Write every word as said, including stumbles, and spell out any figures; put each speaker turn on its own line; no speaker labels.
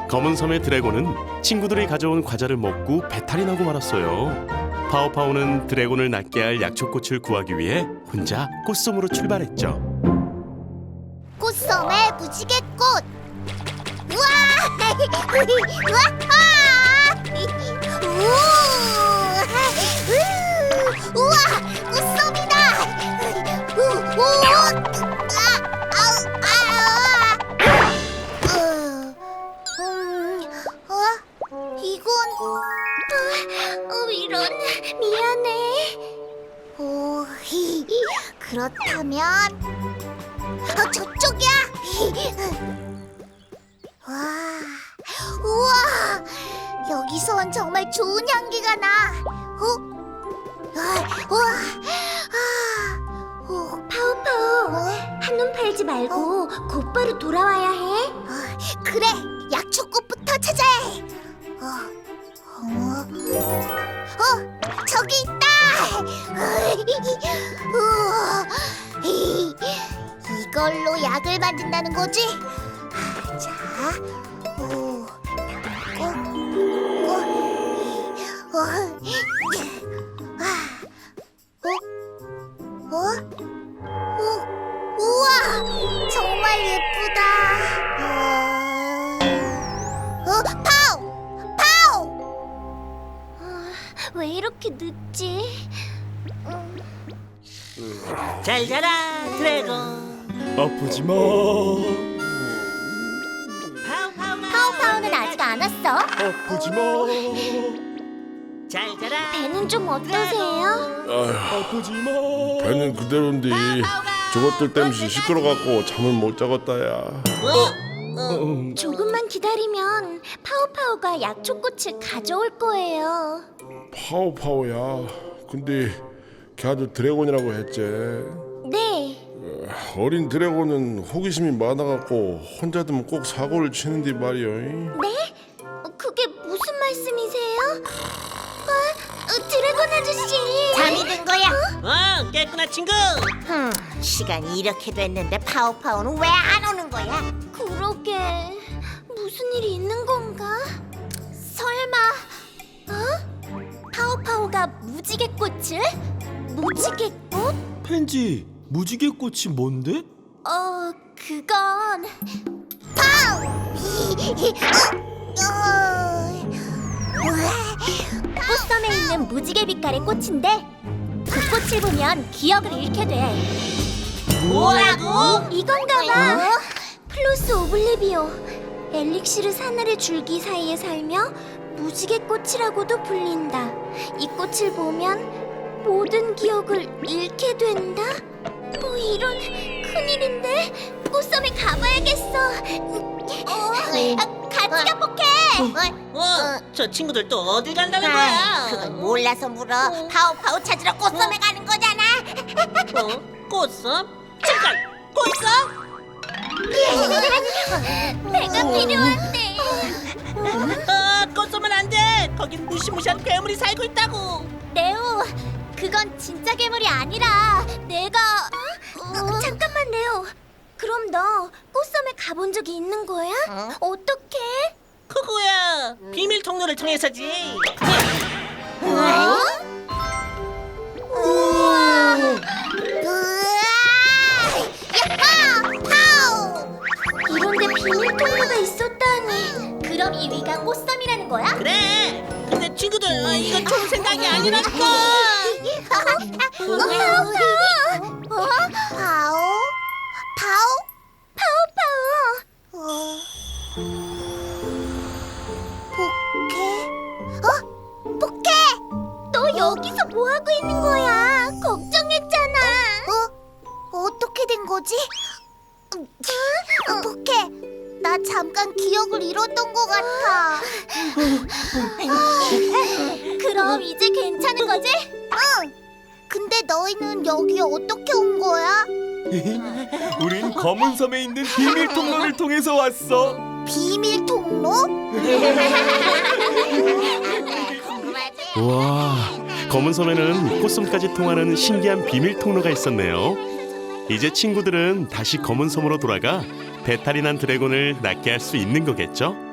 검은 섬의 드래곤은 친구들이 가져온 과자를 먹고 배탈이 나고 말았어요. 파오파오는 드래곤을 낫게 할 약초꽃을 구하기 위해 혼자 꽃섬으로 출발했죠.
꽃섬의 무지개꽃. 우와! 우와! 우! 우와! 꽃섬이다. 우! 우! 아! 아우! 아! 으, 음, 어? 이건 어, 이런 미안해. 오, 히, 그렇다면 어, 저쪽이야. 와, 우와, 여기선 정말 좋은 향기가 나. 어? 아, 우와, 아, 어, 파우파우, 어? 한눈 팔지 말고 곧바로 돌아와야 해. 어, 그래, 약초꽃부터 찾아야 해. 어, 어, 어, 저기 있다. 우와, 이, 이걸로 약을 만든다는 거지? 아, 자, 오, 어, 어, 어, 아, 어, 어, 어, 우와, 정말 예쁘다. 어, 어, 파우, 파우. 어, 왜 이렇게 늦지? 음.
잘 자라 드래곤.
아프지 마.
파우파우나.
파우파우는 아직 안 왔어.
아프지 마.
잘 자라.
배는 좀 어떠세요?
아휴,
아프지 마.
배는 그대로인데 저것들 때문에 시끄러갖고 잠을 못 자겠다야.
어?
음,
조금만 기다리면 파우파우가 약초꽃을 가져올 거예요.
파오파오야. 근데 걔도 드래곤이라고 했지.
네.
어린 드래곤은 호기심이 많아갖고 혼자 두면 꼭 사고를 치는데 말이야.
네? 어, 그게 무슨 말씀이세요? 어, 어, 드래곤 아저씨.
잠이 든 거야?
어, 깼구나 친구.
흠, 시간이 이렇게 됐는데 파오파오는 왜 안 오는 거야?
그러게 무슨 일이 있는 건가? 설마 어? 파우파우가 무지개꽃을? 무지개꽃?
펜지, 무지개꽃이 뭔데?
어, 그건 파우! 꽃섬에 있는 무지개 빛깔의 꽃인데 그 꽃을 보면 기억을 잃게 돼.
뭐라고?
이건가 봐. 플로스 오블리비오. 엘릭시르 사나리 줄기 사이에 살며 무지개 꽃이라고도 불린다. 이 꽃을 보면 모든 기억을 잃게 된다. 뭐 이런 큰일인데 꽃섬에 가봐야겠어. 어, 같이 가볼게.
어, 저 친구들 또 어딜 간다는
아,
거야?
그건 몰라서 물어. 파오파오 찾으러 꽃섬에 가는 거잖아.
어? 꽃섬? 잠깐! 꽃섬?
배가 필요한데.
아, 꽃섬은 안 돼! 거긴 무시무시한 괴물이 살고 있다고!
레오, 그건 진짜 괴물이 아니라 내가. 어, 잠깐만 레오. 그럼 너 꽃섬에 가본 적이 있는 거야?
어?
어떻게?
그거야! 비밀 통로를 통해서지!
우와! 야호! 파우! 이런데 비밀 통로가 있었다니. 그럼 이 위가 꽃섬이라는 거야?
그래! 근데 친구들, 아, 이건 좋은 생각이 아니라니까!
어, 파우 파우! 어? 파우? 파우? 파우 파우! 어. 포케? 어? 포케! 너 여기서 뭐 하고 있는 거야? 걱정했잖아. 어? 어떻게 된 거지? 어, 포케, 나 잠깐 기억을 잃었던 것 같아. 그럼 이제 괜찮은 거지? 응. 근데 너희는 여기 어떻게 온 거야?
우린 검은 섬에 있는 비밀 통로를 통해서 왔어.
비밀 통로?
와, 검은 섬에는 꽃섬까지 통하는 신기한 비밀 통로가 있었네요. 이제 친구들은 다시 검은 섬으로 돌아가 배탈이 난 드래곤을 낫게 할 수 있는 거겠죠?